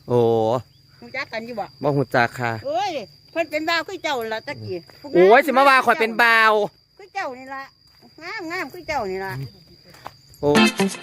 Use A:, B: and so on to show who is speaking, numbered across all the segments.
A: โอ้
B: รู้จักกันอยู่บ่
A: บ่ฮู้จักค่ะ
B: เอ้ยเพิ่นเป็นบ่าวคือเจ้าล่ะตะกี้
A: โอ้ยสิมาว่าข่อยเป็นบ่าว
B: คือเจ้านี่ล่ะงามคือเจ้านี่ล่ะ
A: โอ้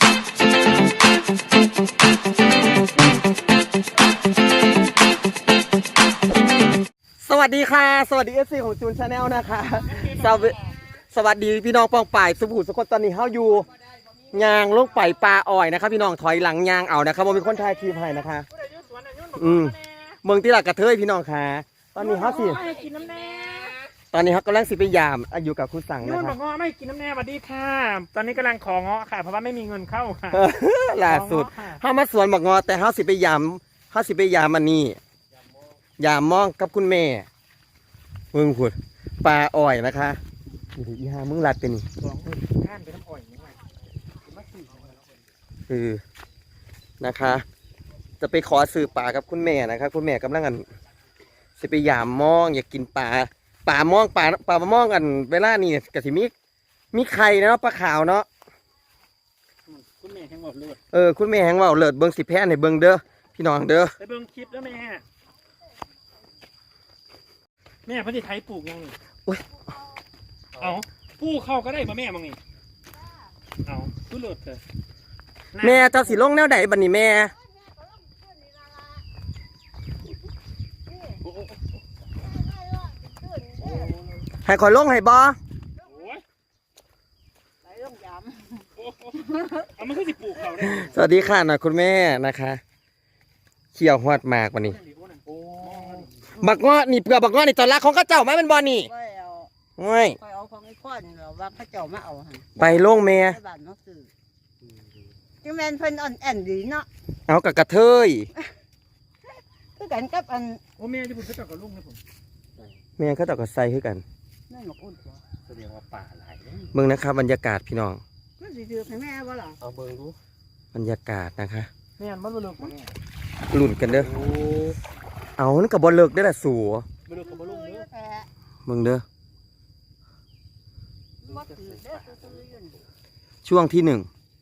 A: สวัสดีค่ะสวัสดี FC ของจูนชาแนลนะคะสวัสดีพี่น้องปองป่ายสุภูสุคนตอนนี้เฮาอยู่ยางลงไปปลาอ้อยนะครับพี่น้องถอยหลังยางเอานะครับบ่มีคนถ่ายคลิปให้นะคะเมืองที่หลักกระเทยพี่น้องค่ะตอนนี้เฮาสิตอนนี้เขากำลังสิไปยามอยู่กับคุณสั่งนะครับ
C: บอกเงาะไม่กินน้ำแน่สวัสดีค่ะตอนนี้กำลังของเงาะค่ะเพราะว่าไม่มีเงินเข้าค่ะ
A: ล่าสุดเฮามาสวนบอกงอแต่เฮาสิไปยามอันนี้ยามมองกับคุณแม่มึงพูดปลาอ้อยนะคะอีห่ามึงรัดเป็น
C: ข้านไปน้ำอ้อยนี่ไง
A: คือนะคะ จะไปขอซื้อปลากับคุณแม่นะครับคุณแม่กำลังกันสิไปยามมองอยากกินปลามองปลามองกันเวลานี่กะสิมีไข่เนาะปลาขาวเนาะ
C: คุณแม่แห้งบอกเลือด
A: คุณแม่แห้งว่าเลิศเบิ้งสิแพ้ในเบิ้งเด้อพี่น้องเด้อ
C: ไปเบิ้งคลิปแล้วแม่พระที่ไทยปลูกยังนี่เอาปลูกเข้าก็ได้ป่ะแม่มึงนี่เอาผู้เลิศเถอะ
A: แม่เจ้าสิลงแนวไหนบัดนี้แม่ให้ขอลงให้บ่
C: เอามันคือสิปลูกเขาได้
A: สวัสดีค่ะหน่อยคุณแม่นะคะเขี่ยวหอดมากวันนี้บักเงาะนี่เปลือกบักเงาะนี่ตอนแรกของข้าเจ้าไหมมันบอนี่
B: ไม่เอาของไอ้ข้อนเหรอว่าข้าเจ้ามาเอา
A: ไปลงแม่
B: บ้านน้องสื่อจังแมนเพิ่นอ่อนแอนดีเนาะ
A: เอากับกระเทย
B: คือกันกับอัน
C: โอ้แม่ที่ผมจะจับกับลุงนะผม
A: แม่เขาเจ้ากับไซคือกัน
B: แม่หมกอุ่น
C: แสดงว่าป่าหลาย
A: เบิ่งนะครับบรรยากาศพี่น้อง
B: มันสิถือให้แม่บ่ล่ะ
C: เอาเบิ่งดู
A: บรรยากาศนะคะ
C: แม่มันบ่เลิกบ่
A: หลุ่นกันเด้อเอานั่นกับบอลเลิกได้ละสัว
C: บ่เลิกกับบ่ลุงเด้อ
A: มึงเด้อช่วงที่1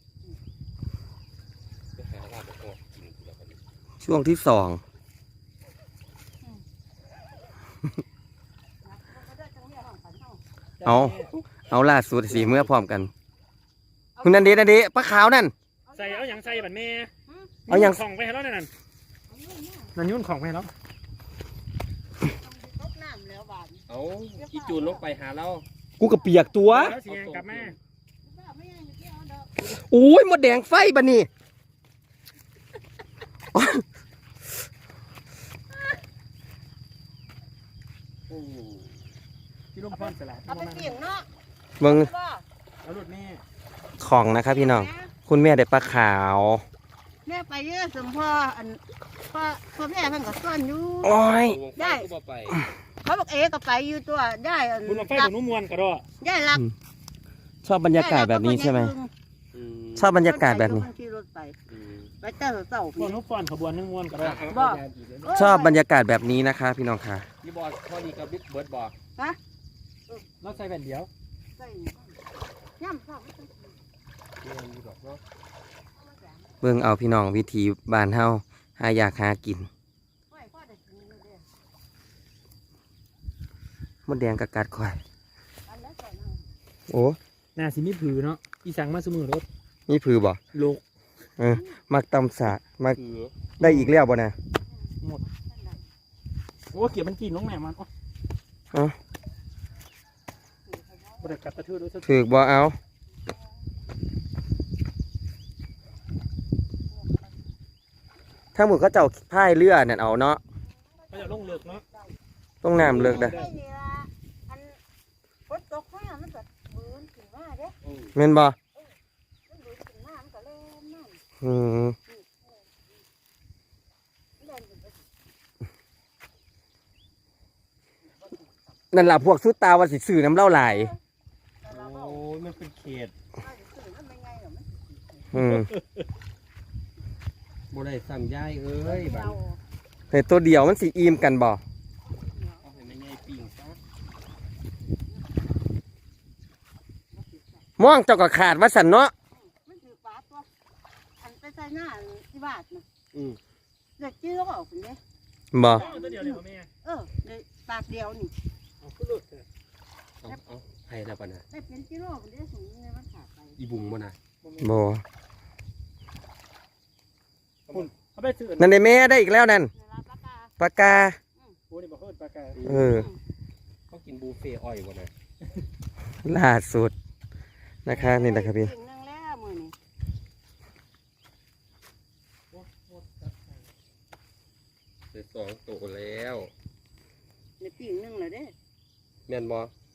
A: ช่วงที่2เอาล่าสุดสิเมื่อพร้อมกันคุณนันเดปลาขาวนั่น
C: ใส่เอาอย่างใส่บัดแม่
A: เอาอย่าง
C: ของไปให้แล้วนั่นยุ่นของไปแล้ว
D: เอาอีจูนลงไปหาเรา
A: กูกับเปียกตัว
C: กลับมา
A: โอ้ยหมดแดงไฟบันนี่
C: พี่ลุงพรสลัด
B: เอาไปเกี่ยงเนาะ
A: มึง
C: เอาลูกแม่
A: ของนะครับพี่น้องคุณแม่ได้ปลาขาว
B: แม่ไปเยอะสมพ่ออันพ่อแม่เพิ่นก็ซ่อนอยู่
A: โอ้ย
B: ได้เขาบอกก็ไปอยู่ตัวได้
C: คุณมาไฟของนุ่มมวนกระโดด
B: ได้รัก
A: ชอบบรรยากาศแบบนี้ใช่ไหมชอบบรรยากาศแบบนี้
B: ไปเต้าเต้า
C: พวกนุ๊กฟอนขบวนนึ่งมวนกระโดด
A: ชอบบรรยากาศแบบนี้นะคะพี่น้องค่ะ
D: ยี่บอลพอดีกับบิ๊กเบิร์ดบอก
B: ฮะ
C: เราใส่แผ่นเดียว
B: ย่ำข้าว
A: เบิ่งเอาพี่น้องวิธีบ้านเฮาหาอยากหากินมดแดงกะกัดข่อยโอ้
C: น่าสิมีผือเนาะอีสังมาสมือรถ
A: มีผือบ่
C: โลก
A: มักตำสะมักได้อีกแล้วบ่นะ
C: หมดโอ้เกี่ยวมันกินน้องแม่มันบ่ได้กัดกระทืบด้วย
A: ถือบ่เอาถ้าหมดก็เจ้าพายเรือเนี่ยเอาเนาะ
C: ก็จะลงเลิกเนาะ
A: ต้องน้ำเลิกได้เม่นบ่นั่นแหละพวกสุดตาวันสิสื่อน้ำเล่าไหล
D: โอ้ยมันเป็นเขตบ่ได้สั่งย้ายบ้าน
A: แต่ตัวเดียวมันสีอิ่มกันบ่ม่วงเจ้าก็ขาดว่าสันเนาะ
B: มันถือปลาตัวอันไปใส่หน้าที่บ้านนะเด็กจี้ก็คุณเนี่ย
A: บ่
C: เอาตัวเดียวเลยบ่แม่
B: ในปากเดียวนี่
C: เอาขึ้นรถเถอะ
D: เอาให้แล้วปะนะ
B: ได้เป็นกิโลคุณเนี่ยสูงในมันขาดไป
D: อีบุงบ่นะ
A: บ่
C: เอาไปซื้อ
A: นั่นได้แม่ได้อีกแล้วนั่น
B: ในร้านปลากา
A: ปากกา
C: โอ้นี่บ่เฮิดปลากา
A: เออ
D: เขากินบุฟเฟ่อ้อยบ่นะ
A: ล่าสุดนะคะนี่นะครับพี่
B: สิ่งนึงแล้วมือนี่
D: ได้สองตัวแล้ว
B: ในปีกนึงเลยเด้
D: แม่นบ่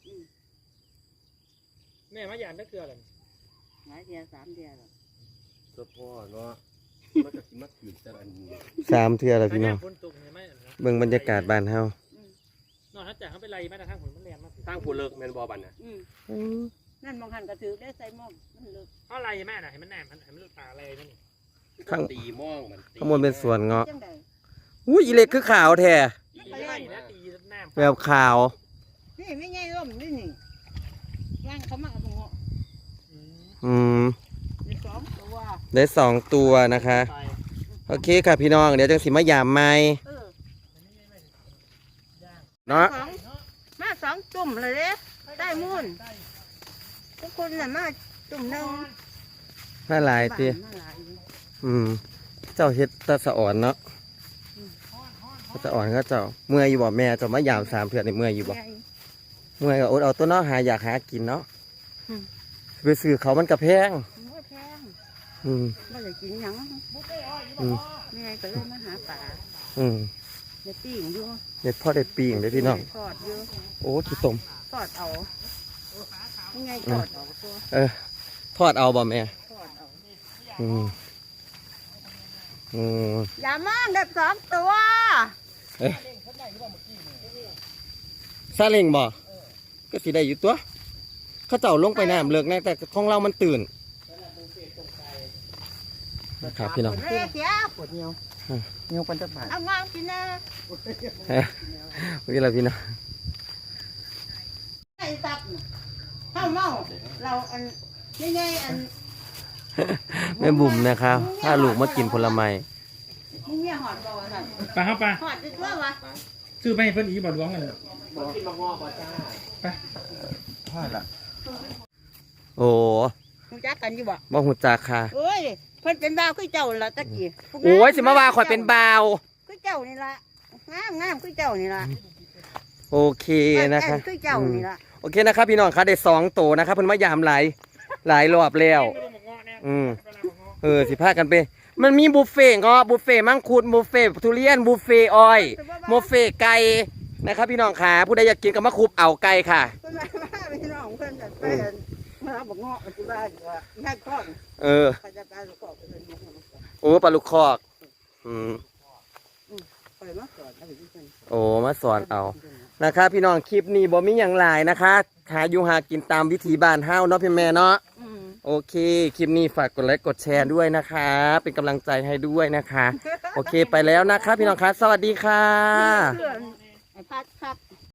C: แม่มาหยานได้เกลืออะไร
B: หลายเดียว3เดียวแล้ว
D: เจ้าพ่อเนาะมันก็สิมาถือแต่อันนี้
A: 3เทื่อแล้วพี่น้อง
C: ฝนตกเห็นไหม
A: เบิ่งบรรยากาศบ้านเฮาน
C: อกจากเขาไปไล่มาแต่ทางฝนมันแรงมาก
D: ทางผู้เลิกแม่นบ่บัดน่ะ
B: นั่นมองหันกระถือได้ใส่หม้อมันเลิก
C: เอาไล่แม่น่ะให้มันแหนมให้มันตาอะไรนั่นนี่
A: ข้าง
D: ตีม่องมันตี
A: ข้างบนเป็นสวนเงาะ
B: จังใด
A: อุ้ยอีเล็กคือขาวแท้
C: ตีไล่นะตีแหนม
A: แบบขาว
B: นี่ไม่ใช่ร่มนี่นี่ย่างเขามาเอาตรงเงาะ
A: อืม
B: ใน2ตัว
A: ได้2ตัวนะคะ โอเคค่ะพี่น้องเดี๋ยวจังสิมายามใหม่
B: เออ
A: เนาะ
B: มา2ตุ่มเลยเด้ได้มูลทุกคนน่ะมาตุ่มนึง
A: น่าหลายติ
B: มาหลายอยู่
A: เจ้าเฮ็ดตาสะอ่อนเนาะตาอ่อนก็เจ้าเมื่อยอยู่บ่แม่เจ้ามายาม3เทื่อนี่เมื่อยอยู่บ่
B: ใหญ่
A: เมื่อยก็อดเอาตัวเนาะหาอยากหากินเนาะ
B: อืม
A: ไปซื้อเขามันก็แพง
B: มันก็แพง
A: อืม
B: ไม่ได้กินหยัง
A: อืม
B: แม่ก็เลยมาหาปลา
A: อืม
B: เดี๋ยวปิ้งอยู่
A: เด็ดพ่อได้ปีงเลยพี่น้อง
B: ทอดอยู่
A: โอ้ขี้ตม
B: ทอดเอายังไงทอดเอาตัว
A: ทอดเอาบ่แม่
B: ทอดเอา
A: อืมอืม
B: อย่ามองเด็ก2ตัว
A: ซาเล้งบ่ก็สิได้อยู่ตัว เขาเจ้าลงไปน้ำเลิกแน่แต่ของเรามันตื่นนะครับพี่น้อง
B: เฮ้ยเสีย
A: ปวดเนียวเนียวปันจะบาด
B: เอางามกินนะ
A: นี่แหละพี่น้อง
B: ไอ้ตับน่ะข้าวเมาเราอันนี่ไงอัน
A: แม่บุ๋มนะครับถ้าลูกมากินผลไม้
B: มึงเนี่ยหอดบ่วะท่าน
C: ปลาครับปลา
B: หอดจะทั่ววะ
C: ซื้อไปให้เพิ่นอีบ่หลวงกัน
D: บอกกินมะงอบ่จ้า
C: ไป
A: ทอดละโอ้
B: รู้จักกันอยู่บ่
A: บ่หูจักค่ะ
B: เอ้ยเพิ่นเป็นบ่าวคือเจ้าละตะกี้
A: โอ้ยสิมาว่าข่อยเป็นบ่าว
B: คือเจ้านี่ละงามคือเจ้านี่ละ
A: โอเคนะคะ
B: คือเจ้านี่ละ
A: โอเคนะครับพี่น้องคะได้2ตัวนะครับเพิ่นมายามหลายรอบแล้ว สิพากันไป มันมีบุฟเฟ่ต์เงาะบุฟเฟ่ต์มังคุดบุฟเฟ่ต์ทุเรียนบุฟเฟ่ต์อ้อยบุฟเฟ่ต์ไก่นะครับพี่น้องขาผู้ใดอยากกินก็มาคุบเอาไก่ค่ะ
B: เพิ่นมาพี่น้องเพิ่นจะไปมาบอกเงาะปัจจุบันว่าแม่ก้อน
A: เออ
B: เขาจะการประกอบเป็น
A: โอ้ปลาลูกคอก
B: ไปมาก่อนเอาไปที่เพิ่น
A: โอ้มาสอนเอานะครับพี่น้องคลิปนี้บ่มีอย่างหลายนะคะหาอยู่หากินตามวิถีบ้านเฮาเนาะพี่แม่เนาะโอเค คลิปนี้ฝากกดไลค์กดแชร์ด้วยนะคะ เป็นกำลังใจให้ด้วยนะคะ โอเคไปแล้วนะคะพี่น้องคะสวัสดีค่ะ
B: เพื่อนไอ้พัดครับ